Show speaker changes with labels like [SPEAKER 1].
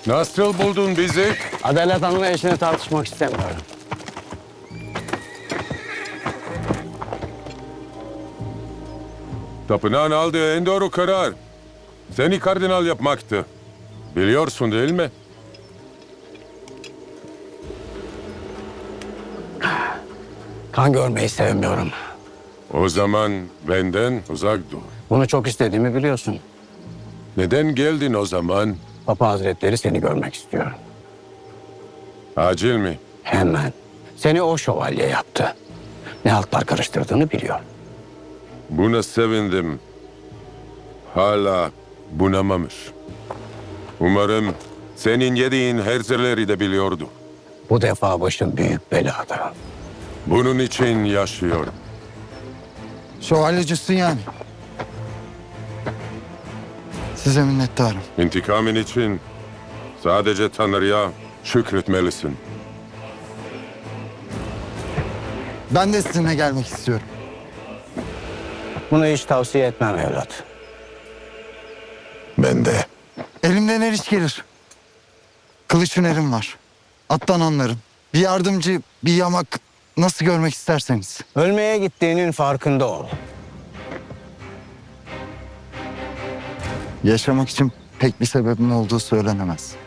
[SPEAKER 1] Nasıl buldun bizi?
[SPEAKER 2] Adalet Hanım'la eşini tartışmak istemiyorum.
[SPEAKER 1] Tapınağın aldığı en doğru karar seni kardinal yapmaktı. Biliyorsun değil mi?
[SPEAKER 2] Kan görmeyi sevmiyorum.
[SPEAKER 1] O zaman benden uzak dur.
[SPEAKER 2] Bunu çok istediğimi biliyorsun.
[SPEAKER 1] Neden geldin o zaman?
[SPEAKER 2] Papa Hazretleri seni görmek istiyor.
[SPEAKER 1] Acil mi?
[SPEAKER 2] Hemen. Seni o şövalye yaptı. Ne haltlar karıştırdığını biliyor.
[SPEAKER 1] Buna sevindim. Hala bunamamış. Umarım senin yediğin herzeleri de biliyordu.
[SPEAKER 2] Bu defa başın büyük belada.
[SPEAKER 1] Bunun için yaşıyorum.
[SPEAKER 3] Şövalyecisin yani. Size minnettarım.
[SPEAKER 1] İntikamın için sadece Tanrı'ya şükretmelisin.
[SPEAKER 3] Ben de sizinle gelmek istiyorum.
[SPEAKER 2] Bunu hiç tavsiye etmem evlat.
[SPEAKER 1] Ben de.
[SPEAKER 3] Elimden her iş gelir. Kılıç hünerim var. Attan anlarım. Bir yardımcı, bir yamak nasıl görmek isterseniz.
[SPEAKER 2] Ölmeye gittiğinin farkında ol.
[SPEAKER 3] Yaşamak için pek bir sebebim olduğu söylenemez.